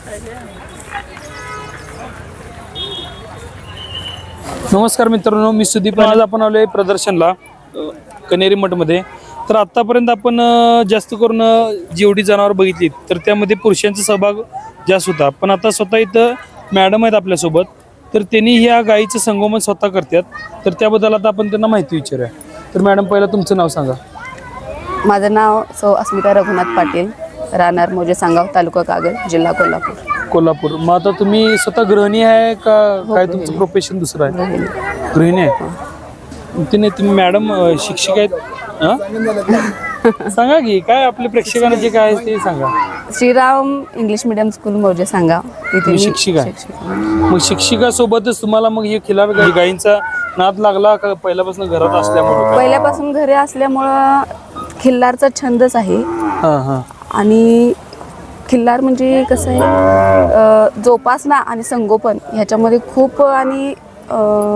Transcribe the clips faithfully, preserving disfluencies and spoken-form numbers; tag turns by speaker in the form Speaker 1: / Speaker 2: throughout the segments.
Speaker 1: नमस्कार मित्रांनो, मी सुदीप. आज आपण आलोय प्रदर्शनला कनेरी मठमध्ये. तर आतापर्यंत आपण अ, जास्त करून अ, जेवढी जनावर बघितली तर त्यामध्ये पुरुषांचा सहभाग जास्त होता. पण आता स्वतः इथं मॅडम आहेत आपल्यासोबत, तर त्यांनी ह्या गायीचं संगोपन स्वतः करतात. तर त्याबद्दल आता आपण त्यांना माहिती विचारूया. तर मॅडम, पहिला तुमचं नाव सांगा.
Speaker 2: माझं नाव सौ अस्मिता रघुनाथ पाटील, राहणार मोजे सांगाव, तालुका कागल, जिल्हा कोल्हापूर.
Speaker 1: कोल्हापूर. मग आता तुम्ही स्वतः गृहिणी आहे का काय तुमचं
Speaker 2: गृहिणी.
Speaker 1: प्रोफेशन दुसरं आहे?
Speaker 2: गृहिणी.
Speaker 1: गृहिणी आहे. तिने तुम्ही मॅडम अ, शिक्षिका आहेत? हं? सांगा की काय आपल्या प्रेक्षकांना जे काय आहे ते सांगा.
Speaker 2: श्रीराम इंग्लिश मीडियम स्कूल मोजे सांगाव, तिथे
Speaker 1: तुम्ही
Speaker 2: मी
Speaker 1: शिक्षिका आहे?
Speaker 2: शिक्षिका.
Speaker 1: मग शिक्षिका सोबतच तुम्हाला मग हे खिलार गाई गायींचा नाद लागला का पहिल्यापासून घरात असल्यामुळे?
Speaker 2: पहिल्यापासून घरी असल्यामुळं खिल्लारचा छंदच आहे.
Speaker 1: हां हां.
Speaker 2: आणि खिल्लार म्हणजे कसं आहे, अ, जोपासना आणि संगोपन ह्याच्यामध्ये खूप आणि अ,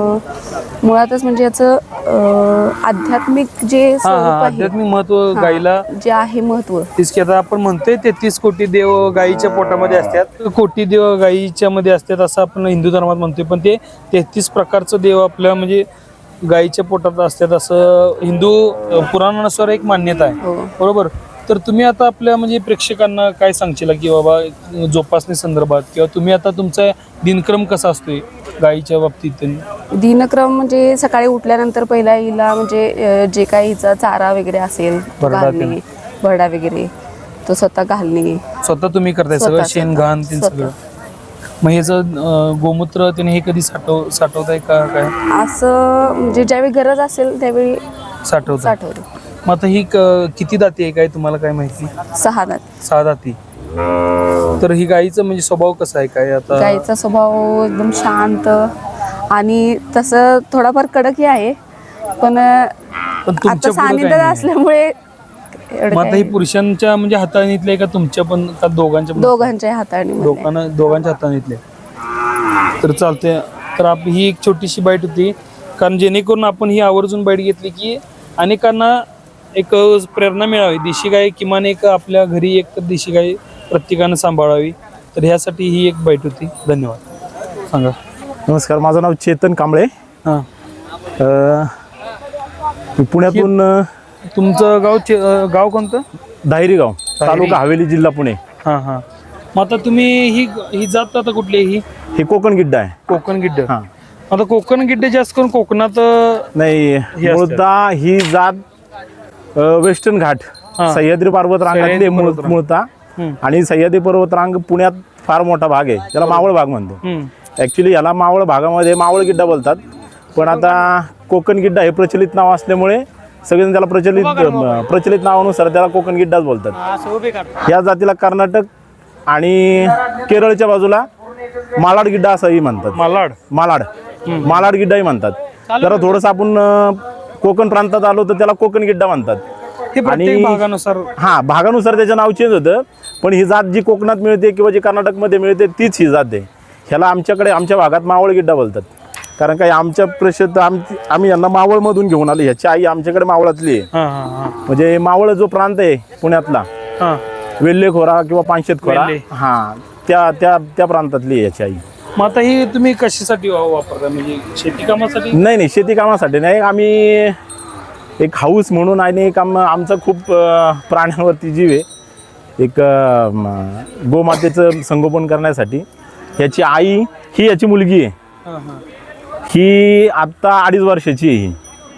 Speaker 2: मुळातच म्हणजे याचं अ, आध्यात्मिक जे
Speaker 1: हां
Speaker 2: स्वरूप
Speaker 1: हां.
Speaker 2: आहे,
Speaker 1: आध्यात्मिक महत्व
Speaker 2: हां,
Speaker 1: गायीला
Speaker 2: जे आहे महत्व.
Speaker 1: तीच की आता आपण म्हणतोय तेहतीस कोटी देव गायीच्या पोटामध्ये असतात, कोटी देव गायीच्या मध्ये असतात असं आपण हिंदू धर्मात म्हणतोय. पण ते तेहतीस प्रकारचं देव आपल्या म्हणजे गायीच्या पोटात असतात असं हिंदू अ, पुराणानुसार एक मान्यता आहे.
Speaker 2: हो.
Speaker 1: बरोबर. तर तुम्ही आता आपल्या म्हणजे प्रेक्षकांना काय सांगशील की बाबा जोपासने संदर्भात, किंवा तुम्ही आता तुमचा दिनक्रम कसा असतोय गायीच्या बाबतीत?
Speaker 2: दिनक्रम म्हणजे सकाळी उठल्यानंतर पहिला हिला म्हणजे अ, जे काही हिचा चारा वगैरे असेल तो
Speaker 1: भरडा
Speaker 2: घालणे,
Speaker 1: ते.
Speaker 2: भरडा वगैरे तो स्वतः घालणे.
Speaker 1: स्वतः तुम्ही करताय सगळं?
Speaker 2: स्वतः-
Speaker 1: शेण घाण ते
Speaker 2: स्वतः.
Speaker 1: सगळं? मग ह्याचं अं, गोमूत्र त्याने हे कधी साठव साठवताय का काय?
Speaker 2: असं म्हणजे ज्यावेळी गरज असेल त्यावेळी
Speaker 1: साठवताय.
Speaker 2: साठवतो.
Speaker 1: मग आता ही क- किती दाती आहे काय तुम्हाला काय माहिती?
Speaker 2: सहा दात.
Speaker 1: सहा दाती. तर ही गायीचं म्हणजे स्वभाव कसा आहे काय आता?
Speaker 2: गाईचा स्वभाव एकदम शांत आणि तसं थोडाफार कडकही आहे, पण
Speaker 1: पण तुमच्या
Speaker 2: आता
Speaker 1: पुढं काय
Speaker 2: सानिध्यात
Speaker 1: नाही.
Speaker 2: असल्यामुळे एवढं
Speaker 1: मग आता
Speaker 2: काही
Speaker 1: ही पुरुषांच्या म्हणजे हाताळणीतले आहे का तुमच्या पण का दोघांच्या पण?
Speaker 2: दोघांच्या हाताळणी.
Speaker 1: दोघांना दोघांच्या हाताळणीतले. तर चालते. तर आप ही एक छोटीशी बाईट होती, कारण जेणेकरून आपण ही आवर्जून बाईट घेतली की अनेकांना एक प्रेरणा मिळावी. देशी गाय किमान एक आपल्या घरी एक देशी गाय प्रत्येकानं सांभाळावी. तर ह्यासाठी ही एक बाईट होती. धन्यवाद. सांगा.
Speaker 3: नमस्कार, माझं नाव चेतन कांबळे.
Speaker 1: हां.
Speaker 3: अ, मी पुण्यातून अ,
Speaker 1: तुमचं गाव चे- अं, गाव कोणतं?
Speaker 3: दाहिरी गाव, तालुका हवेली, जिल्हा पुणे.
Speaker 1: हां हां. मग आता तुम्ही ही ही जात आता कुठली आहे? ही
Speaker 3: हे कोकण गिड्डा आहे.
Speaker 1: कोकण गिड्ड.
Speaker 3: हां.
Speaker 1: आता कोकण गिड्डे जास्त करून कोकणात अं,
Speaker 3: नाही,
Speaker 1: असतं.
Speaker 3: मूळता ही जात अ, वेस्टर्न घाट,
Speaker 1: हां.
Speaker 3: सह्याद्री पर्वत रांगातली
Speaker 1: सह्याद्री
Speaker 3: मूळ-
Speaker 1: पर्वतरांग.
Speaker 3: मूळता.
Speaker 1: हम्म.
Speaker 3: आणि सह्याद्री पर्वतरांग पुण्यात फार मोठा भाग आहे, त्याला मावळ भाग म्हणतो.
Speaker 1: हम्म.
Speaker 3: ॲक्च्युली याला मावळ भागामध्ये मावळ गिड्डा बोलतात, पण आता कोकण गिड्डा हे प्रचलित नाव असल्यामुळे सगळेजण त्याला प्रचलित प्रचलित नावानुसार त्याला कोकण गिड्डाच बोलतात. या जातीला कर्नाटक आणि केरळच्या बाजूला मालाड गिड्डा असंही म्हणतात.
Speaker 1: मालाड.
Speaker 3: मालाड मालाड गिड्डाही म्हणतात. जरा थोडंसं आपण अं, कोकण प्रांतात आलो तर त्याला कोकण गिड्डा म्हणतात.
Speaker 1: हे प्रत्येक भागानुसार.
Speaker 3: हा, भागानुसार त्याचं नाव चेंज होतं. पण ही जात जी कोकणात मिळते किंवा जी कर्नाटकमध्ये मिळते तीच ही जात आहे. ह्याला आमच्याकडे आमच्या भागात मावळ गिड्डा बोलतात. कारण काय, आमच्या प्रसिद्ध आमची आम्ही यांना मावळमधून घेऊन आलो. ह्याची आई आमच्याकडे मावळातली आहे.
Speaker 1: हां हां हां.
Speaker 3: म्हणजे मावळ जो प्रांत आहे पुण्यातला,
Speaker 1: हां.
Speaker 3: वेल्हेखोरा किंवा पानशेतखोरा,
Speaker 1: वेल्हे.
Speaker 3: हा त्या त्या त्या प्रांतातली आहे याची आई.
Speaker 1: मग आता ही तुम्ही कशासाठी वा- वापरता? म्हणजे शेती कामासाठी?
Speaker 3: नाही नाही, शेती कामासाठी नाही. आम्ही एक हाऊस म्हणून आणि एक आम आमचा खूप अं, प्राण्यांवरती जीव आहे. एक अं, म, गोमातेचं संगोपन करण्यासाठी. ह्याची आई ही याची मुलगी आहे.
Speaker 1: हां हां.
Speaker 3: ही आत्ता अडीच वर्षाची आहे. ही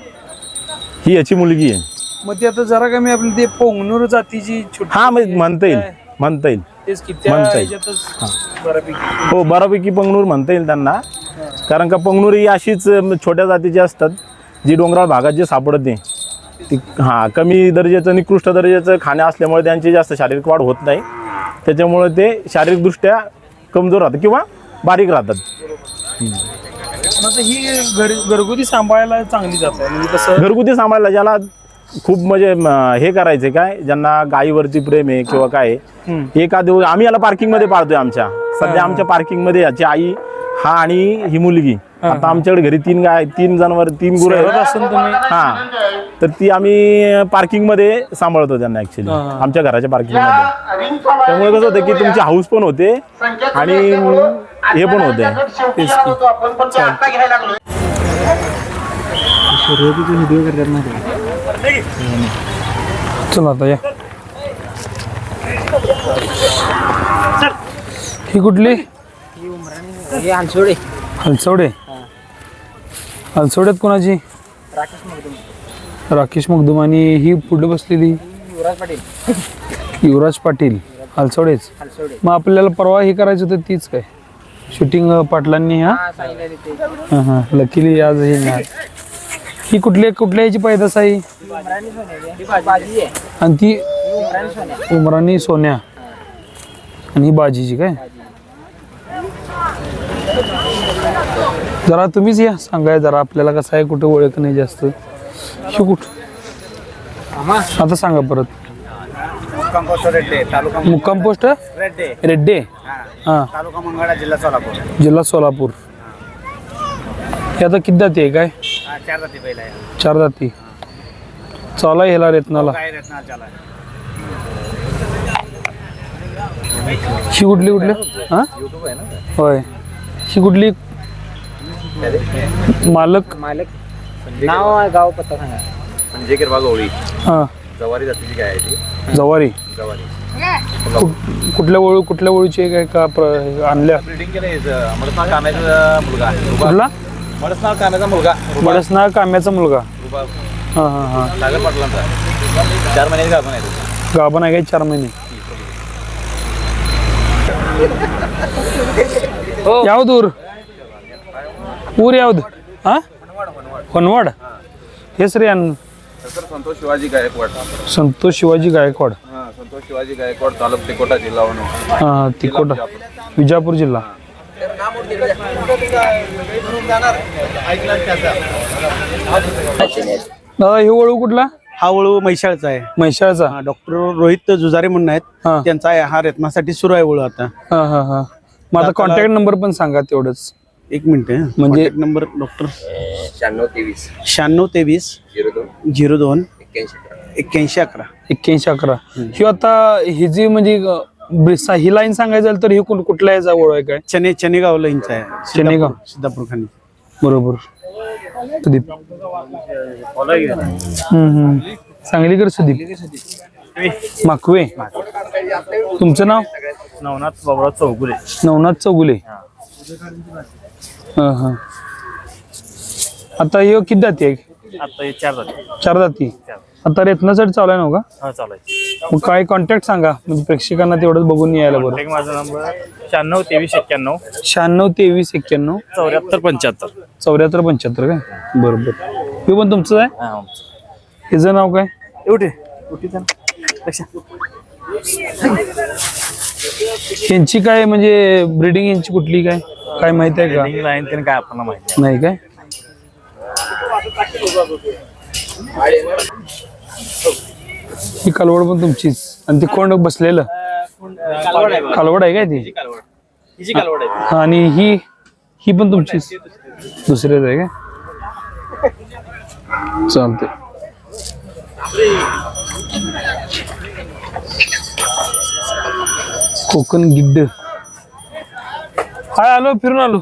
Speaker 3: ही याची मुलगी आहे.
Speaker 1: मग ते आता जरा कमी आपली ते पोंगनूर जातीची छोटी.
Speaker 3: हा, मग म्हणता येईल म्हणता येईल
Speaker 1: तेच की त्या
Speaker 3: म्हणता येईल.
Speaker 1: ह्याच्यातच बऱ्यापैकी.
Speaker 3: हो, बऱ्यापैकी पंगनूर म्हणता येईल त्यांना. कारण का पंगनूर ही अशीच अं, छोट्या जातीची असतात जी डोंगराळ भागात जे सापडते. ती हां, कमी दर्जाचं निकृष्ट दर्जाचं खाणं असल्यामुळे त्यांची जास्त शारीरिक वाढ होत नाही. त्याच्यामुळे ते शारीरिकदृष्ट्या कमजोर राहतात किंवा बारीक राहतात.
Speaker 1: मग आता ही घर घरगुती सांभाळायला चांगली जात आहे म्हणजे कसं?
Speaker 3: घरगुती सांभाळायला ज्याला खूप म्हणजे म, हे करायचे काय, ज्यांना गायीवरती प्रेम आहे किंवा काय
Speaker 1: हम्म.
Speaker 3: एका दिवस आम्ही याला पार्किंग मध्ये पाळतोय. आमच्या सध्या आमच्या पार्किंग मध्ये याची आई, हा आणि ही मुलगी आता आमच्याकडे घरी तीन गाय तीन जनावर तीन गुरं
Speaker 1: शहरात
Speaker 3: आहेत.
Speaker 1: असून तुम्ही
Speaker 3: हा तर ती आम्ही पार्किंग मध्ये सांभाळतो त्यांना ऍक्च्युली आमच्या घराच्या पार्किंग मध्ये. त्यामुळे कसं होतं की तुमची हाऊस पण होते आणि हे पण होते.
Speaker 1: चला आता या. ही कुठली
Speaker 4: हलसोडे
Speaker 1: हलसवडे हलसवड्यात कोणाची राकेश मगदुम आणि ही पुढे बसलेली
Speaker 4: युवराज पाटील
Speaker 1: युवराज पाटील हलसवडेच.
Speaker 4: हलसोडे
Speaker 1: मग आपल्याला परवा हे करायचं होतं तीच काय शूटिंग पाटलांनी हा
Speaker 4: हा सांगितलं ते
Speaker 1: हा हा लकीली आज हे नाही. ही कुठल्या कुठल्या याची पैदास आहे
Speaker 4: उमराणी सोन्या ही बाजी आहे
Speaker 1: आणि ती
Speaker 4: उमराणी सोन्या
Speaker 1: उमरानी सोन्या आणि ही बाजीची काय. जरा तुम्हीच या सांगाय जरा आपल्याला कसं आहे कुठं ओळख नाही जास्त. ही कुठ आता सांगा परत.
Speaker 4: कंपोस्ट रेड्डे तालुका
Speaker 1: मुक्काम पोस्ट
Speaker 4: रेड्डे
Speaker 1: रेड्डे हा
Speaker 4: तालुका मंगळा जिल्हा सोलापूर
Speaker 1: जिल्हा सोलापूर. हे आता किती जाती आहे काय
Speaker 4: हा चार जाती पहिला आहे
Speaker 1: चार जाती चाला ह्याला रेतनाला.
Speaker 4: काय रत्ना चाला
Speaker 1: ही कुठली कुठली हा
Speaker 4: युट्यूब आहे ना
Speaker 1: होय ही कुठली मालक
Speaker 4: मालक नाव गाव पत्ता सांगा
Speaker 5: म्हणजे किरवा गवळी
Speaker 1: हा
Speaker 5: जवारी जातीची गाय आहे ती
Speaker 1: जवारी
Speaker 5: जवारी
Speaker 1: कुठ- कुठल्या ओळू कुठल्या ओळीची आहे काय का प्र- आणल्या
Speaker 5: ब्रिडिंग केलं मडसनाळ काम्याचा मुलगा
Speaker 1: कुठला
Speaker 5: मडसनाळ काम्याचा मुलगा
Speaker 1: बडसना काम्याचा मुलगा
Speaker 5: रुबा
Speaker 1: हा हा हा
Speaker 5: सागर पाटलांचा चार महिन्याची गाभण आहे तो.
Speaker 1: गाभण आहे काय चार महिने ಯಾವ್ದು ಊರು ಊರು ಯಾವ್ದು ಹಾ ಹೊನ್ವಾಡ್ ಹೆಸರು ಏನು
Speaker 5: तर संतोष शिवाजी गायकवाड
Speaker 1: संतोष शिवाजी गायकवाड
Speaker 5: हा संतोष शिवाजी गायकवाड तालुका तिकोटा जिल्हा वणू
Speaker 1: हा तिकोटा विजापूर जिल्हा. दादा हे वळू कुठला
Speaker 6: हा वळू म्हैसाळचा आहे
Speaker 1: म्हैसाळचा
Speaker 6: डॉक्टर रोहित जुजारे म्हणून आहेत
Speaker 1: हा
Speaker 6: त्यांचा आहे हा रत्नासाठी सुरू आहे वळू आता
Speaker 1: हा हा हा मग आता कॉन्टॅक्ट नंबर पण सांगा तेवढंच
Speaker 6: एक मिनिट
Speaker 1: म्हणजे-
Speaker 6: नंबर डॉक्टर
Speaker 5: शहाण्णव तेवीस
Speaker 6: शहाण्णव तेवीस
Speaker 5: झिरो दोन
Speaker 6: झिरो दोन
Speaker 5: एक्क्याऐंशी
Speaker 6: एक्क्याऐंशी अकरा
Speaker 1: एक्क्याऐंशी अकरा ही आता ही जी म्हणजे अं, ब्रिसा- ही लाईन सांगायचं झालं तर ही कुठ- कुठल्या याचा ओळ आहे काय
Speaker 6: चने चनेगाव लाईनचा आहे
Speaker 1: चनेगाव.
Speaker 6: सिद्धापूर- सिद्धापूर खाली
Speaker 1: बरोबर सुदीप हम्म हम्म सांगलीकर सुदीप माकवे तुमचं नाव
Speaker 6: नवनाथ बाबुराव चौगुले
Speaker 1: नवनाथ चौगुले हा हा आता हे किती जाती आहे
Speaker 6: आता हे चार जाते
Speaker 1: चार जाती आता रेतनासाठी चालू आहे ना का
Speaker 6: हा चालायचं
Speaker 1: मग काय कॉन्टॅक्ट सांगा म्हणजे प्रेक्षकांना तेवढंच बघून यायला बरं.
Speaker 6: माझा नंबर शहाण्णव तेवीस एक्क्याण्णव
Speaker 1: शहाण्णव तेवीस एक्क्याण्णव
Speaker 6: चौऱ्याहत्तर पंच्याहत्तर
Speaker 1: चौऱ्याहत्तर पंच्याहत्तर काय बरोबर हे पण तुमचं आहे ह्याचं नाव काय
Speaker 6: एवढे
Speaker 1: यांची काय म्हणजे ब्रिडिंग यांची कुठली काय काय माहिती आहे का
Speaker 6: लाईन त्याने काय आपल्याला माहिती
Speaker 1: नाही काय ही कालवड पण तुमचीच आणि ती कोण बसलेलं कालवड आहे काय ती हा, आणि ही ही पण तुमचीच दुसऱ्याच आहे काय चालते कोकण गिड्ड हाय आलो फिरून आलो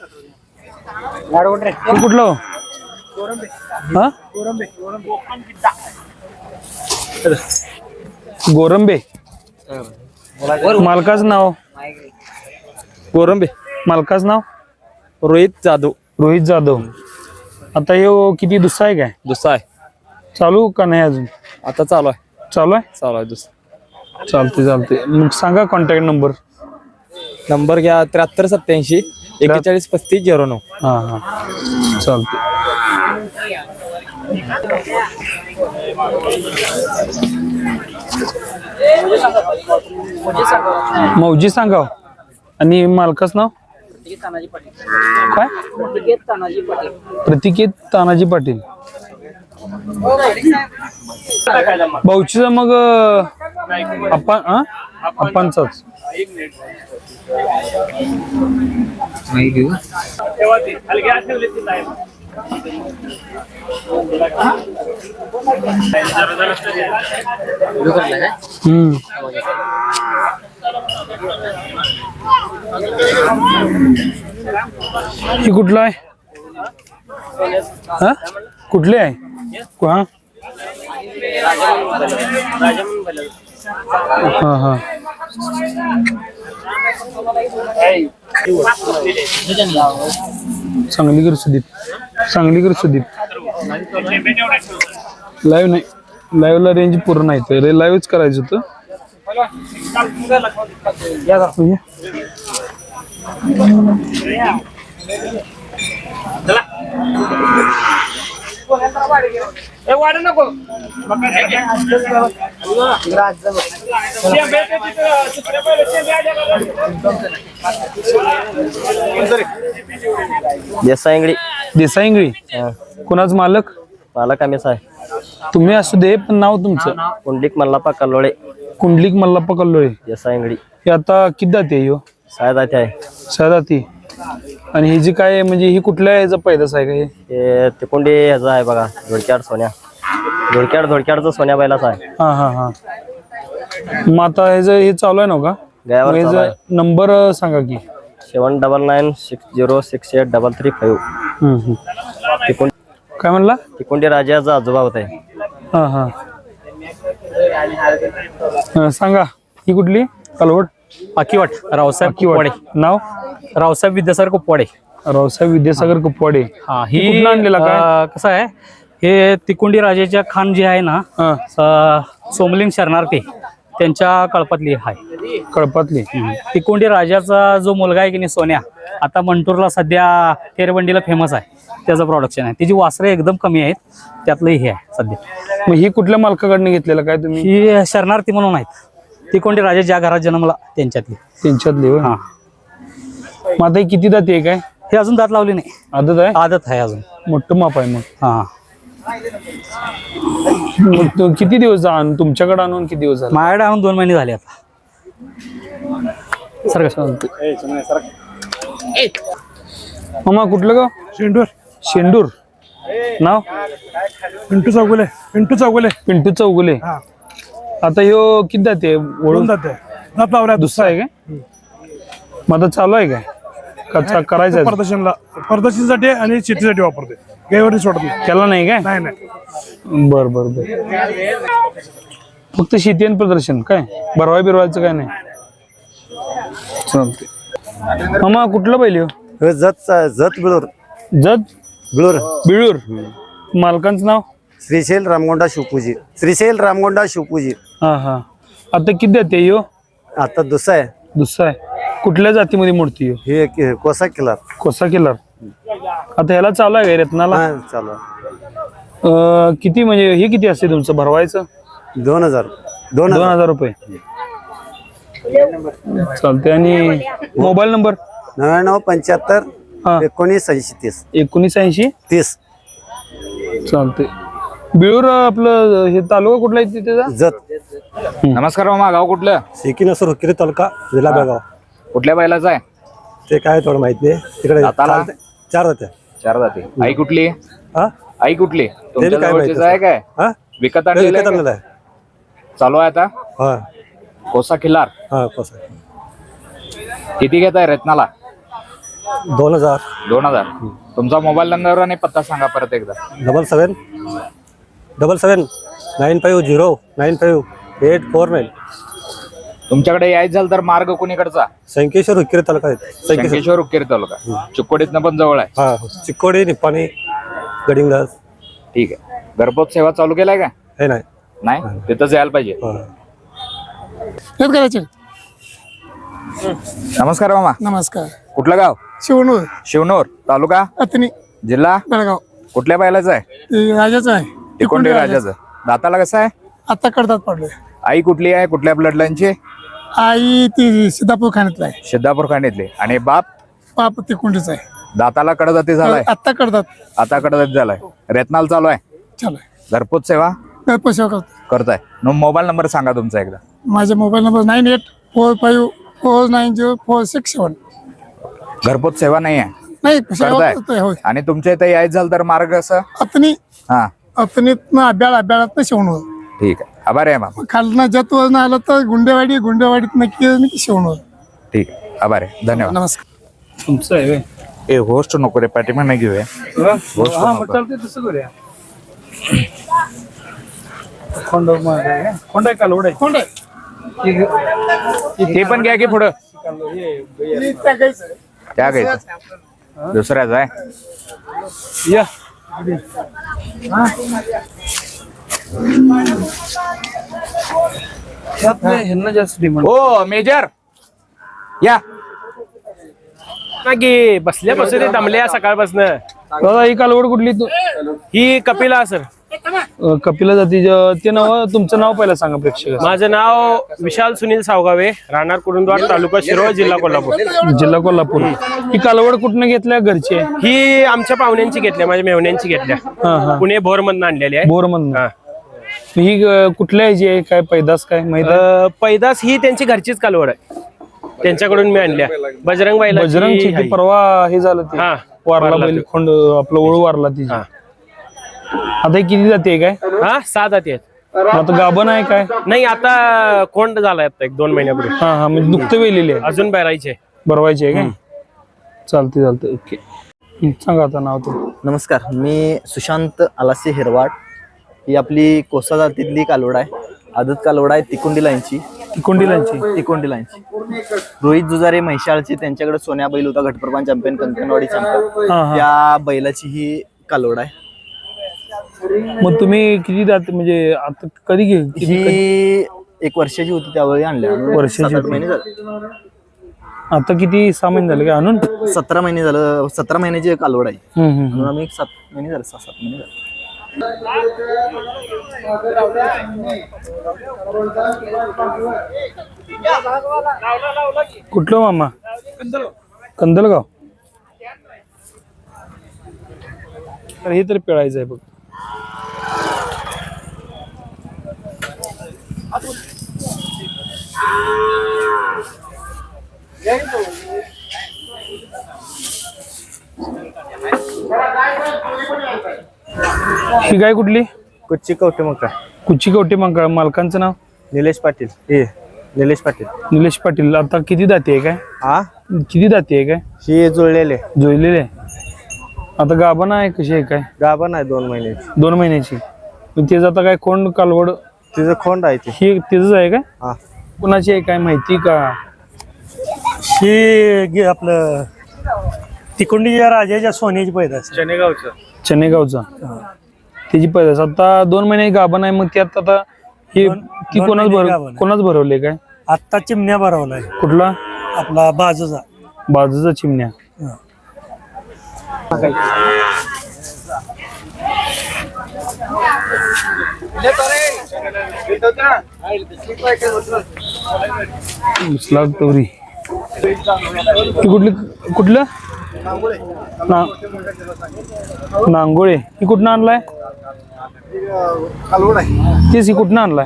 Speaker 1: हे कुठलं हो? हा गोरंबे मालकाचं नाव
Speaker 6: गोरंबे
Speaker 1: मालकाचं नाव
Speaker 6: रोहित जाधव
Speaker 1: रोहित जाधव. आता हे किती दुसरा आहे काय
Speaker 6: दुसरा आहे
Speaker 1: चालू का नाही अजून
Speaker 6: आता चालू आहे
Speaker 1: चालू आहे
Speaker 6: चालू आहे दुसरा
Speaker 1: चालते चालते मग सांगा कॉन्टॅक्ट नंबर
Speaker 6: नंबर घ्या त्र्याहत्तर सत्याऐंशी एक्केचाळीस पस्तीस झिरो नऊ
Speaker 1: हा हा चालते मौजी सांगा आणि मालकाचं नाव काय प्रतिकेत तानाजी पाटील भाऊचीचा मग आपण अप्पांचाच हम्म. ही कुठला आहे हा कुठले आहे हा हा हा सांगलीकर सुदीप सांगलीकर सुदीप लाईव्ह नाही लाईव्हला रेंज पूर्ण नाही तर लाईव्हच करायचं होतं.
Speaker 6: देसाईंगडी
Speaker 1: देसाईंगळी कुणाच मालक
Speaker 6: मालक आम्हीच आहे.
Speaker 1: तुम्ही असू दे पण नाव तुमचं
Speaker 6: कुंडलिक मल्लाप्पा कल्लोळे
Speaker 1: कुंडलिक मल्लाप्पा कल्लोळे.
Speaker 6: देसाईंगडी
Speaker 1: हे आता किती जाती आहे ह्यो
Speaker 6: सायदाती आहे.
Speaker 1: सदाती आणि ही जी काय म्हणजे ही कुठल्या याचा पैदास आहे का हे
Speaker 6: ते तिकोंडी ह्याचा आहे बघा धोडक्याड सोन्या धोडक्याड धोडक्याडचं सोन्या बैलाचा आहे.
Speaker 1: हा हा हा मग आता ह्याचं हे चालू आहे ना का
Speaker 6: गयावर
Speaker 1: मग
Speaker 6: चालू
Speaker 1: ह्याचा नंबर सांगा की
Speaker 6: seven double nine six zero six eight double three five.
Speaker 1: हम्म, हम्म.
Speaker 6: तिकोंडी
Speaker 1: काय म्हणला
Speaker 6: तिकोंडी राजाचा आजोबा होता.
Speaker 1: हा हा हा, सांगा ही कुठली कालवड
Speaker 7: पाकीवाट रावसाहेब कुपवाडे.
Speaker 1: नाव
Speaker 7: रावसाहेब विद्यासागर कुपवाडे.
Speaker 1: रावसाहेब विद्यासागर कुपवाडे.
Speaker 7: हा
Speaker 1: ही
Speaker 7: ही
Speaker 1: कुठनं आणलेला काय?
Speaker 7: अं, कसं आहे हे तिकोंडी राजाच्या खान जे आहे ना
Speaker 1: हा
Speaker 7: अं, सोमलिंग शरणार्थी त्यांच्या कळपातली आहे.
Speaker 1: कळपातली
Speaker 7: तिकोंडी राजाचा जो मुलगा आहे की नाही सोन्या आता मंटूरला सध्या तेरबंडीला फेमस आहे. त्याचं प्रोडक्शन आहे. त्याची वासरे एकदम कमी आहेत. त्यातलं हे आहे सध्या.
Speaker 1: मग ही कुठल्या मालकाकडनं घेतलेलं काय तुम्ही
Speaker 7: ही शरणार्थी म्हणून आहेत. तिकोंडी राजा ज्या घरात जन्मला त्यांच्यातली.
Speaker 1: त्यांच्यातली होय?
Speaker 7: हा
Speaker 1: मग आता ही किती जाती आहे काय
Speaker 7: हे अजून दात लावली नाही.
Speaker 1: आदत आहे
Speaker 7: आदत आहे अजून.
Speaker 1: मोठं माप आहे मग
Speaker 7: हा
Speaker 1: मग तो किती दिवस आणून तुमच्याकडे आणून किती दिवस झाले
Speaker 7: माझ्याकडे आणून दोन महिने झाले आता. सर
Speaker 1: मामा कुठलं गाव
Speaker 8: शेंडूर
Speaker 1: शेंडूर नाव
Speaker 8: पिंटू चौगुले पिंटू चौगुले
Speaker 1: पिंटू चौगुले.
Speaker 8: हा
Speaker 1: आता ह्यो किती जाते
Speaker 8: वळून
Speaker 1: वळून
Speaker 8: जाते दात लावल्या
Speaker 1: दुसरा आहे काय मग आता चालू आहे काय कच्चा करायचा आहे?
Speaker 8: प्रदर्शनला प्रदर्शनासाठी आणि शेतीसाठी वापरते गायवरती सोडत नाही.
Speaker 1: त्याला नाही काय
Speaker 8: नाही नाही
Speaker 1: बर बर बर फक्त शेती आणि प्रदर्शन काय बरवाय बिरवायचं काय नाही चालते. मामा कुठलं बैल ह्यो
Speaker 9: जत जत बिळूर
Speaker 1: जत
Speaker 9: बिळूर
Speaker 1: बिळूर मालकांचं नाव
Speaker 9: श्रीशैल रामगोंडा शिवपूजी श्रीशैल रामगोंडा शिवपूजी.
Speaker 1: हा हा आता किती जाते ह्यो
Speaker 9: आता दुसरा आहे
Speaker 1: दुसरा आहे कुठल्या जातीमध्ये मूर्ती ह्यो
Speaker 9: हे के- कोसा किल्ला
Speaker 1: कोसा किल्लार. आता ह्याला चालू आहे काय रत्नाला
Speaker 9: हा चालू आहे.
Speaker 1: अं, किती म्हणजे हे किती असते तुमचं भरवायचं
Speaker 9: दोन हजार दोन
Speaker 1: दोन
Speaker 9: हजार
Speaker 1: हजार रुपये चालते. आणि मोबाईल नंबर
Speaker 9: नव्याण्णव पंच्याहत्तर
Speaker 1: हा
Speaker 9: एकोणीस ऐंशी तीस
Speaker 1: एकोणीस ऐंशी
Speaker 9: तीस
Speaker 1: चालते. बिळूर आपलं हे तालुका कुठला आहे त्याचा
Speaker 9: जत
Speaker 5: नमस्कार मामा, गाव कुठलं?
Speaker 9: शेकीनसर हुकिरी तालुका जिल्हा बेळगाव.
Speaker 5: कुठल्या बैलाचं आहे?
Speaker 9: ते काय थोडं माहित नाही तिकडे
Speaker 5: दाताला?
Speaker 9: चालते. चार होते
Speaker 5: चार जाती. आई कुठली?
Speaker 9: हा
Speaker 5: आई कुठली? तुमच्या
Speaker 9: काय माहिती
Speaker 5: जवळचीच आहे काय?
Speaker 9: हा
Speaker 5: विकत
Speaker 9: ते
Speaker 5: आणलेलं
Speaker 9: विकत
Speaker 5: आहे
Speaker 9: आणलेलं
Speaker 5: का?
Speaker 9: आहे.
Speaker 5: चालू आहे आता
Speaker 9: हा
Speaker 5: कोसा खिल्लार.
Speaker 9: हा कोसा
Speaker 5: किती घेत आहे रत्नाला?
Speaker 9: दोन हजार
Speaker 5: दोन हजार. तुमचा मोबाईल नंबर आणि पत्ता सांगा परत एकदा.
Speaker 9: Double seven double seven nine five zero nine five eight four nine.
Speaker 5: तुमच्याकडे यायचं झालं तर मार्ग कोणीकडचा?
Speaker 9: संकेश्वर हुक्केरी तालुका आहे संकेश्वर.
Speaker 5: शंकेश्वर उक्केरी तालुका. चिक्कोडीतनं पण जवळ आहे.
Speaker 9: हा चिक्कोडी निप्पाणी गडिंगलास
Speaker 5: ठीक आहे. घरपोच सेवा चालू केलाय का?
Speaker 9: हे नाही
Speaker 5: नाही, तिथंच यायला पाहिजे.
Speaker 9: हा.
Speaker 8: करायचे
Speaker 5: नमस्कार मामा,
Speaker 8: नमस्कार
Speaker 5: कुठलं गाव?
Speaker 8: शिवणूर
Speaker 5: शिवनोर तालुका
Speaker 8: अतनी
Speaker 5: जिल्हा
Speaker 8: बेळगाव.
Speaker 5: कुठल्या बैलाचं आहे?
Speaker 8: राजाचं आहे
Speaker 5: तिकोंडी राजाचं. दाताला कसं आहे?
Speaker 8: आता कडतात पडले.
Speaker 5: आई कुठली आहे? कुठल्या ब्लड लाईनची?
Speaker 8: आई ती सिद्धापूर खाण्यातला आहे.
Speaker 5: सिद्धापूर खांडीतली. आणि बाप?
Speaker 8: बाप तिकोंडीचा आहे.
Speaker 5: दाताला कडजाती झालाय.
Speaker 8: आता कडतात
Speaker 5: आता कडजाती झालाय. रेतनाल चालू आहे.
Speaker 8: चालू आहे.
Speaker 5: घरपोच सेवा
Speaker 8: पैसे करतो.
Speaker 5: करताय. न मोबाईल नंबर सांगा तुमचा एकदा.
Speaker 8: माझा mobile number nine eight four five four nine zero four six seven.
Speaker 10: घरपोच सेवा नाही आहे
Speaker 8: नाही
Speaker 10: करताय? आणि तुमच्या इथे यायचं झालं तर मार्ग असं
Speaker 8: अतनी
Speaker 10: हा
Speaker 8: अतनीत अभ्याळ अभ्याळात शिवणं.
Speaker 10: ठीक आहे आभार आहे मामा.
Speaker 8: खालना जत वजन आलं तर गुंडेवाडी गुंडेवाडीत नक्की शिवणं.
Speaker 10: ठीक आहे आभार आहे धन्यवाद.
Speaker 8: नमस्कार.
Speaker 1: तुमचं आहे व्हय?
Speaker 10: ए होस्ट नको रे पाठीमा नाही घेऊया.
Speaker 1: हा मग चालतंय तसं करूया. खोंड आहे खोंड आहे कालवड आहे खोंड
Speaker 10: ते पण घ्या की पुढं त्या घ्यायचं दुसऱ्याच आहे.
Speaker 1: या ह्यांना जास्त डिमांड.
Speaker 10: ओ मेजर या
Speaker 6: की बसल्या बसले दमल्या सकाळपासून.
Speaker 1: दादा ही कालवड कुठली तू?
Speaker 6: ही कपिला सर.
Speaker 1: अं, कपिला जाती ते नाव तुमचं नाव पहिला सांगा प्रेक्षक.
Speaker 6: माझं नाव विशाल सुनील सावगावे, राहणार कुरुंदवाड, तालुका शिरोळ, जिल्हा कोल्हापूर.
Speaker 1: जिल्हा कोल्हापूर. ही कालवड कुठनं घेतल्या घरची आहे?
Speaker 6: ही आमच्या पाहुण्यांची घेतल्या, माझ्या मेहण्यांची घेतल्या.
Speaker 1: हा हा
Speaker 6: पुणे भोर मधून आणलेली आहे.
Speaker 1: बोर मधनं.
Speaker 6: हा.
Speaker 1: ही अं, कुठल्या ह्याची आहे काय पैदास काय माहित आहे?
Speaker 6: अं, पैदास ही त्यांची घरचीच कालवड आहे, त्यांच्याकडून मी आणल्या. बजरंग बैला
Speaker 1: बजरंगची ती परवा हे झालं ते
Speaker 6: हा,
Speaker 1: वारला
Speaker 6: वारला
Speaker 1: बैल
Speaker 6: तो.
Speaker 1: खोंड आपलं ओळू वारला तिची.
Speaker 6: हा.
Speaker 1: आता ही किती जाते काय?
Speaker 6: हा सहा जाती आहेत.
Speaker 1: आता गाभण आहे काय?
Speaker 6: नाही आता कोंड झालाय आता एक दोन महिन्यापूर्वी.
Speaker 1: हा हा म्हणजे नुकतं वेलेली आहे
Speaker 6: अजून बैरायचे.
Speaker 1: बरवायची आहे काय? चालते चालते ओके. हं, सांगा आता नाव ते.
Speaker 11: नमस्कार, मी सुशांत आलासे हिरवाड. ही आपली कोसा जातीतली कालवड आहे, आदत कालवड आहे, तिकोंडी लाईनची.
Speaker 1: तिकोंडी लाईनची
Speaker 11: तिकोंडी लाईनची रोहित जुजारे म्हैशाळचे, त्यांच्याकडे सोन्या बैल होता, घटप्रमाण चॅम्पियन, कंकणवाडी चॅम्पियन.
Speaker 1: हा हा.
Speaker 11: त्या बैलाची ही कालवड आहे.
Speaker 1: मग तुम्ही किती जात म्हणजे आता कधी घे किती- कधी-
Speaker 11: ही एक वर्षाची होती त्यावेळी आणल्या.
Speaker 1: वर्षाची
Speaker 11: सात आठ
Speaker 1: होती.
Speaker 11: महिने झाले.
Speaker 1: आता किती सहा महिने झाले काय आणून?
Speaker 11: सतरा महिने झालं, सतरा महिन्याची कालवड आहे.
Speaker 1: हम्म, हम्म,
Speaker 11: म्हणून
Speaker 1: हम्म.
Speaker 11: आम्ही एक सात महिने झाले, सहा सात महिने झाले.
Speaker 1: कुठलं मामा? कंदलगाव. तर हे तर पिळायचं आहे बघ. ही गाय कुठली?
Speaker 11: कुच्ची कवटे मग काय
Speaker 1: कुची कवटे मग मालकांचं नाव?
Speaker 11: निलेश पाटील. हे निलेश पाटील.
Speaker 1: निलेश पाटील. आता किती दाती आहे काय?
Speaker 11: हा
Speaker 1: किती दाती आहे काय?
Speaker 11: ही जुळलेले
Speaker 1: जोडलेले आहे. आता गाभण आहे कशी आहे काय?
Speaker 11: गाभण आहे दोन महिन्याची.
Speaker 1: दोन महिन्याची. मग त्याचं आता काय कोण कालवड
Speaker 11: तिचं खोंड आहे ते.
Speaker 1: ही तिचंच आहे काय?
Speaker 11: हा.
Speaker 1: कुणाची आहे काय माहिती का?
Speaker 9: ही आपलं तिकोंडीच्या राजाच्या सोन्याची पैदास.
Speaker 6: चनेगावचं.
Speaker 1: चनेगावचा. त्याची पैदास आता दोन महिने गाभण आहे. मग त्यात आता ही ती
Speaker 9: दोन
Speaker 1: कोणाच
Speaker 9: महिने
Speaker 1: भर
Speaker 9: गाभण आहे.
Speaker 1: कोणाच भरवले काय?
Speaker 9: आत्ता चिमण्या भरवलाय
Speaker 1: कुठला?
Speaker 9: आपला बाजूचा.
Speaker 1: बाजूचा चिमण्या. उचलाग तवरी. ती कुठली कुठलं? ना- नांगोळे. ही कुठनं आणलाय? तेच ही कुठनं आणलाय?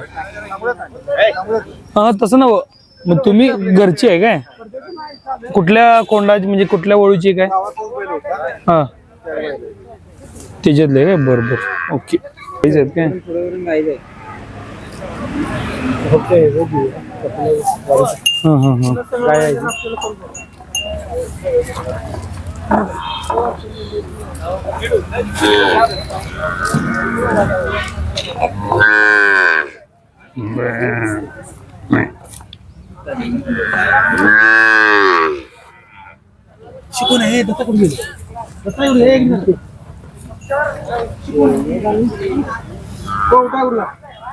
Speaker 1: हा तसं नव. मग तुम्ही घरची आहे काय? कुठल्या कोंडाची म्हणजे कुठल्या वळूची काय? हा त्याच्यातले काय? बरं बरं ओके. आहेत काय? हा हा हा. काय
Speaker 8: शिकून हे दत्ता कुठे गेले? दत्ता एवढे हे एक मिनिट. हो, उठा उठा.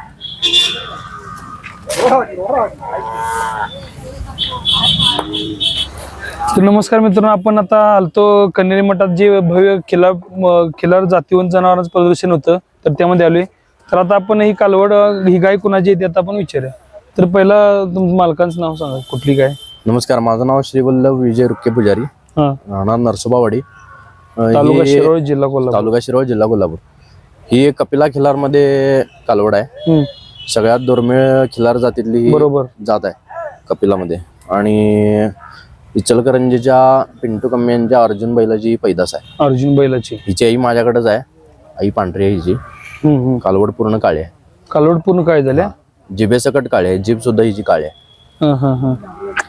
Speaker 1: तर नमस्कार मित्रांनो, आपण आता आलतो कन्हेरी मठात जे भव्य खिलार म- खिलार जातीवंत जनावरांचं प्रदर्शन होतं, तर त्यामध्ये आलोय. तर आता आपण ही कालवड ही गाय कुणाची आहे ते आता आपण विचारूया. तर पहिला तुमचं मालकांचं नाव सांगा, कुठली गाय?
Speaker 12: नमस्कार, माझं नाव श्री वल्लभ विजय रुक्के पुजारी,
Speaker 1: हा.
Speaker 12: राहणार नरसोबावाडी,
Speaker 1: तालुका शिरोळ, जिल्हा कोल्हापूर.
Speaker 12: तालुका शिरोळ, जिल्हा कोल्हापूर. ही एक कपिला खिलार मध्ये कालवड आहे.
Speaker 1: हम्म.
Speaker 12: सगळ्यात दुर्मिळ खिलार जातीतली ही
Speaker 1: बरोबर
Speaker 12: जात आहे कपिलामध्ये. आणि इचलकरंजीच्या पिंटू कम्मे यांच्या अर्जुन बैलाची पैदास आहे.
Speaker 1: अर्जुन बैलाची
Speaker 12: हिची आई माझ्याकडेच आहे. आई पांढरी आहे हिची.
Speaker 1: हम्म, हम्म.
Speaker 12: कालवड पूर्ण काळी आहे.
Speaker 1: कालवड पूर्ण काय झाल्या?
Speaker 12: जिभेसकट काळी आहे. जीभ सुद्धा हिची काळी आहे.
Speaker 1: हा हा हा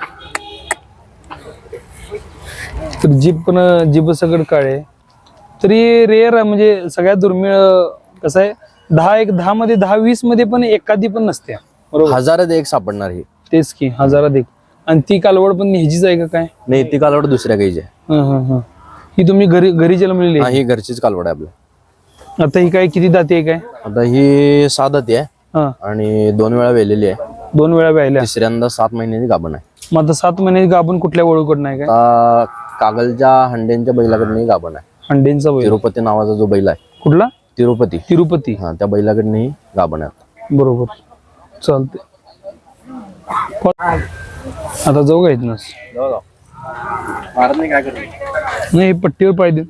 Speaker 1: तर जीभ पण जीभ सगळं काळे तरी रेअर म्हणजे सगळ्यात दुर्मिळ कसं आहे दहा एक दहा मध्ये दहा वीस मध्ये पण एखादी पण नसते बरोबर.
Speaker 12: हजारात एक सापडणार ही.
Speaker 1: तेच की हजारात एक. आणि ती कालवड पण ह्याचीच आहे का काय?
Speaker 12: नाही ती कालवड दुसऱ्या गाईची आहे.
Speaker 1: हा हा हा ही तुम्ही घरी घरी जन्मलेली
Speaker 12: हा,
Speaker 1: आहे?
Speaker 12: ही घरचीच कालवड आहे आपल्या.
Speaker 1: आता ही काय किती दाती आहे काय?
Speaker 12: आता ही सात दाती आहे
Speaker 1: हा
Speaker 12: आणि दोन वेळा वेलेली आहे.
Speaker 1: दोन वेळा व्यायल्या.
Speaker 12: तिसऱ्यांदा सात महिन्याची गाभण आहे.
Speaker 1: मग आता सात महिन्याची गाभण कुठल्या वळूकडून आहे काय?
Speaker 12: आता कागलच्या हंडेंच्या बैलाकडनं गाभण आहे.
Speaker 1: अंडेंचा बैल
Speaker 12: तिरुपती नावाचा जो बैल आहे
Speaker 1: कुठला?
Speaker 12: तिरुपती
Speaker 1: तिरुपती.
Speaker 12: हा त्या बैलाकडनं ही गाभण आहे.
Speaker 1: बरोबर चालते. आता जाऊ का इथनच? नाही पट्टीवर पाहिजे.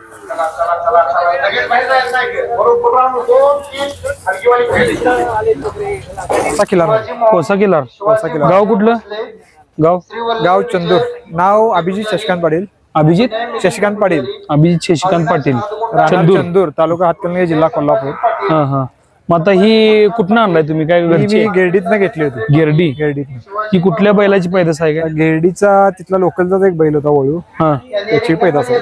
Speaker 1: कोसा किल्लार. गाव कुठलं? गाव
Speaker 8: गाव चंदूर. नाव अभिजित शशिकांत पाटील.
Speaker 1: अभिजित
Speaker 8: शशिकांत पाटील.
Speaker 1: अभिजित शशिकांत पाटील.
Speaker 8: राहणार
Speaker 1: चंदूर.
Speaker 8: चंदूर तालुका हातकणंगले जिल्हा कोल्हापूर.
Speaker 1: हा हा मग आता ही कुठनं आणलाय तुम्ही काय?
Speaker 8: ही
Speaker 1: घरची
Speaker 8: मी गिरडीतनं घेतली होती.
Speaker 1: गिरडी.
Speaker 8: गिरडीतनं.
Speaker 1: ही कुठल्या बैलाची पैदास आहे काय?
Speaker 8: गिरडीचा तिथला लोकलचाच एक बैल होता वळू.
Speaker 1: हा
Speaker 8: त्याची पैदास आहे.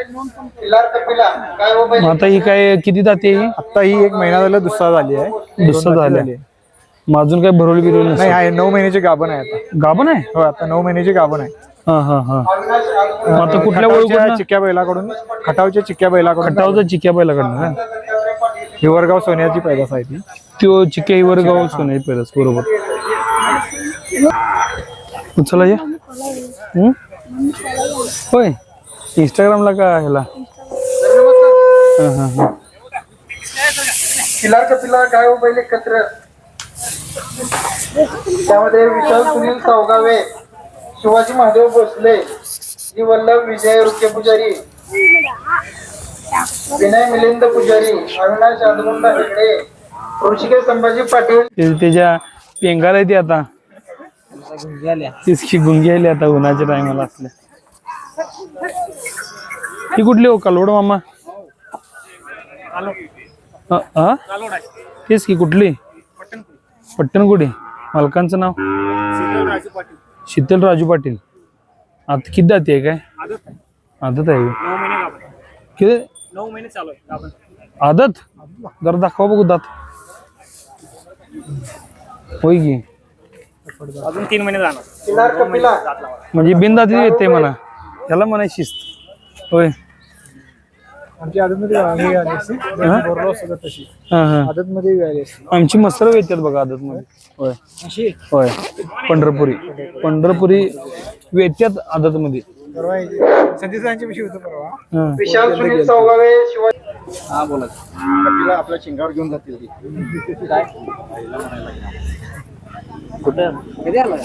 Speaker 1: मग आता ही काय किती दाती आहे? ही
Speaker 8: आता ही एक महिना झाला दुसरा झाली आहे.
Speaker 1: दुसरा
Speaker 8: दोन दाती
Speaker 1: झाल्या.
Speaker 8: झाली.
Speaker 1: मग अजून काय भरवली बिरवली
Speaker 8: नाही
Speaker 1: नसेल?
Speaker 8: आहे नऊ महिन्याची गाभण आहे आता.
Speaker 1: गाभण आहे?
Speaker 8: हो आता नऊ महिन्याची गाभण आहे.
Speaker 1: हा हा हा मग आता कुठल्या
Speaker 8: खटावच्या
Speaker 1: वळूकडनं?
Speaker 8: चिक्क्या बैलाकडून खटावच्या चिक्क्या बैलाकडून
Speaker 1: खटावचा चिक्या बैलाकडनं का?
Speaker 8: हिवरगाव सोन्याची पैदास आहे ती.
Speaker 1: त्यो चिक्या हिवर गाव सोन्याची पैदास बरोबर. चला या. हम्म? होय इंस्टाग्रामला का ह्याला? हा हा हा
Speaker 8: पिलार का पिलार काय हो पहिले एकत्र त्यामध्ये विशाल सुनील सावगावे, शिवाजी महादेव भोसले, जी वल्लभ विजय रुके पुजारी, विनय मिलिंद पुजारी, अविनाश आदमुंडा हेगडे, ऋषिकेश संभाजी पाटील.
Speaker 1: ते- त्याच्या पेंगाला ती आता तिसकी गुंगी आली आता उन्हाच्या टायमाला असल्या. ही कुठली हो? कालवड मामा. हा हा? तेच की कुठली? पट्टणकुडी. मालकांचं नाव? शीतल राजू पाटील. आता किती दाती आहे काय? आदत आहे किती?
Speaker 7: नऊ महिने चालू आहे.
Speaker 1: आदत जरा दाखवा बघू दात. होय की
Speaker 7: अजून तीन महिने जाणार.
Speaker 8: पिलार का पिलार
Speaker 1: म्हणजे बिनदाती येते म्हणा त्याला म्हणा शिस्त. होय
Speaker 8: आमची आदतमध्ये हे आली असते. बोरलो सगळं तशी
Speaker 1: हा हा
Speaker 8: आदतमध्ये आली असते.
Speaker 1: आमची मसर येतात बघा आदत मध्ये. होय
Speaker 8: अशी
Speaker 1: होय पंढरपुरी पंढरपुरी वेत्यात आदत मध्ये.
Speaker 8: परवा संदीप सरांच्या विषयी होतं परवा.
Speaker 1: हा.
Speaker 8: विशाल सुनील सावगावे, शिवाजी.
Speaker 11: हा बोला. तिला आपल्या चिंगावर घेऊन जातील ती. काय कुठं कधी आला?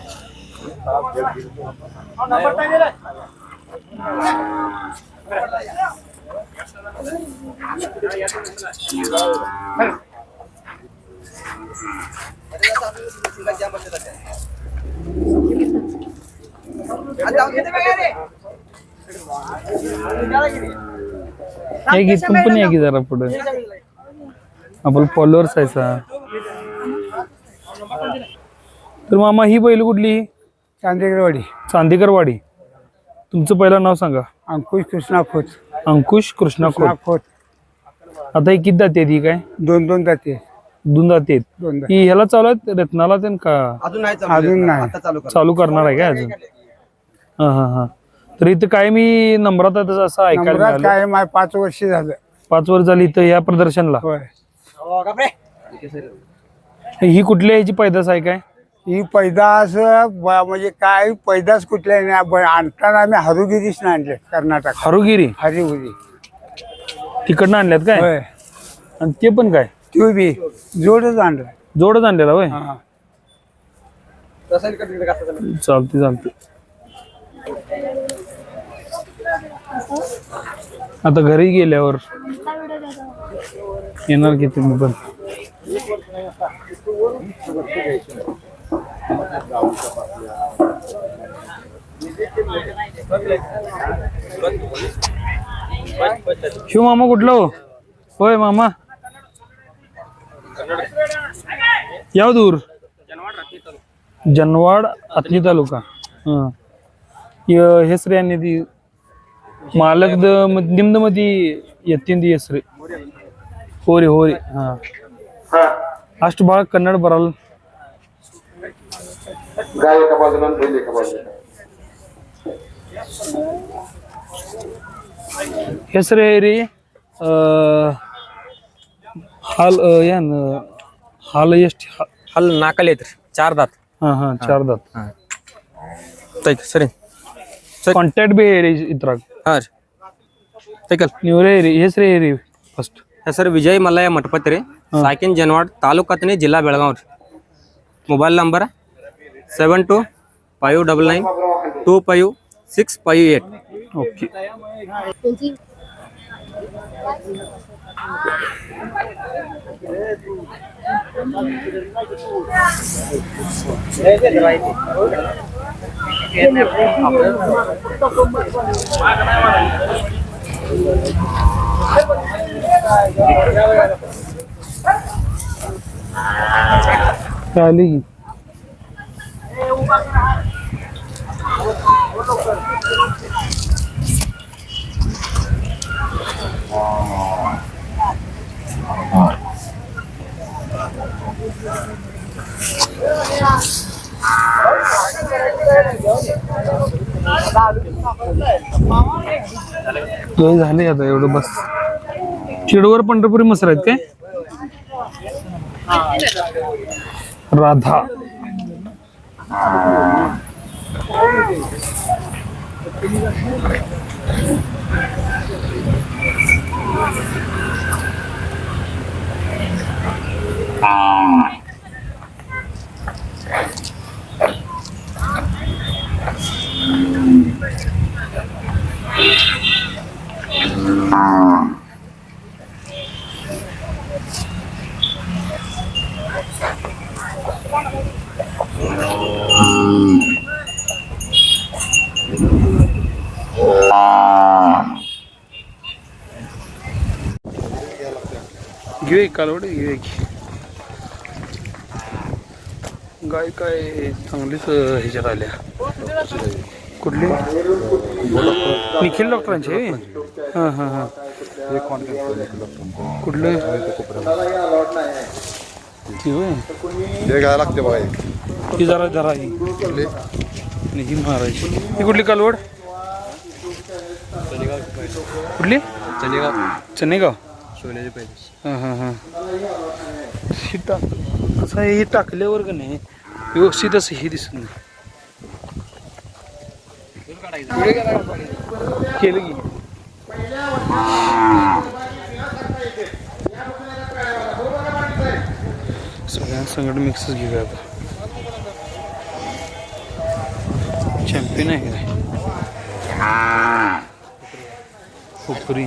Speaker 1: हे गीत पण आहे की जरा पुढे आपण फॉलोअर्स आहे सा. तर मामा ही बैल कुठली?
Speaker 8: चांदेकरवाडी.
Speaker 1: चांदेकरवाडी. तुमचं पहिलं नाव सांगा.
Speaker 8: अंकुश कृष्णा खोत.
Speaker 1: अंकुश कृष्णा खोत.
Speaker 8: खोत.
Speaker 1: आता ही किती दाती आहे? ही काय
Speaker 8: दोन दोन जाते.
Speaker 1: दोन दाती आहेत.
Speaker 8: दोन
Speaker 1: ही ह्याला चालू आहेत रत्नाला ते का
Speaker 11: अजून नाही
Speaker 8: अजून नाही.
Speaker 1: चालू करणार आहे काय अजून? हा हा हा तर इथं काय मी नंबरात आहे तसं असं ऐकायला
Speaker 8: नंबरात
Speaker 1: मिळालं.
Speaker 8: काय माय पाच वर्ष झालं.
Speaker 1: पाच वर्ष झाली इथं या प्रदर्शनला.
Speaker 8: होय.
Speaker 1: ही कुठल्या ह्याची पैदास आहे काय?
Speaker 8: ही पैदास ब- म्हणजे काय पैदास कुठल्या नाही. ब- आणताना आम्ही हरुगिरीस आणले कर्नाटक.
Speaker 1: हरुगिरी
Speaker 8: हरिगिरी
Speaker 1: तिकडनं आणल्यात काय?
Speaker 8: होय.
Speaker 1: आणि ते पण काय
Speaker 8: तू बी जोडच आणलं.
Speaker 1: जोडच आणलेला होय.
Speaker 8: हा.
Speaker 1: चालते चालते. आता घरी गेल्यावर येणार की तुम्ही पण. शिव मामा कुठलं हो? होय मामा याव दूर जनवाड आतनी तालुका हा य- ಹೆಸ್ರು ಏನಿದೆ ಮಾಲಕದ ನಿಮ್ದು ಮದಿ ಎತ್ತಿಂದ ಹೆಸ್ರು ಹೋರಿ ಹೋರಿ ಹಾ ಅಷ್ಟು ಭಾಳ ಕನ್ನಡ ಬರಲ್ಲ
Speaker 8: ಗಾಯಕ ಬಾಜುನ ಬೇಲಿಕ ಬಾಜುನ
Speaker 1: ಹೆಸರು ರೀ ಹಾಲ್ ಏನ್ ಹಾಲು ಎಷ್ಟು
Speaker 6: ಅಲ್ಲಿ ನಾಲ್ಕಲ್ಲಿ ಐತ್ರಿ ಚಾರ್ ದಾತ್
Speaker 1: ಹಾ ಹಾ ಚಾರ್ ದಾತ್
Speaker 6: ಐತಿ ಸರಿ
Speaker 1: ಕಾಂಟ್ಯಾಕ್ಟ್ ಬಿ ಹೇರಿ ಇದ್ರಾಗ
Speaker 6: ಹಾಂ ರೀ ಸೈಕಲ್
Speaker 1: ನೀವ್ರೇ ರೀ ಹೆಸರು ಹೇರಿ ಫಸ್ಟ್
Speaker 6: ಹೆಸರು ವಿಜಯ್ ಮಲ್ಲಯ್ಯ ಮಠಪತಿ ರೀ ಸಾಕಿನ್ ಜನವಾಡ್ ತಾಲೂಕು ಹತ್ತನೇ ಜಿಲ್ಲಾ ಬೆಳಗಾವ್ ರೀ mobile number seven two five double nine two five six five eight
Speaker 1: okay चाली झाले आता एवढं बस चिडवर पंढरपुरी मसर आहेत काय राधा घेऊ एक कालवड घेऊ एक गाय काय चांगलीच ह्याच्यात आल्या कुठली निखिल डॉक्टरांचे हां हां हां कुठलं ती होय
Speaker 8: घ्यायला लागते बघा
Speaker 1: ती जरा जरा ही ही मारायची ही कुठली कालवड कुठली चनेगाव चनेगाव
Speaker 6: सोन्याचे पैसे
Speaker 1: हां हां हां ही टाक कसं आहे हे टाकल्यावर का नाही व्यवस्थित असं हे दिसत नाही केलं की सगळ्या संगड मिक्सच घेऊया आता चॅम्पियन आहे काय खोपरी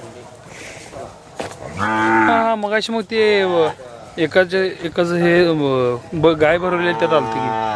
Speaker 1: हा मगाशी मग ते एकाच एकाच हे ब- गाय भरवले त्यात आलती की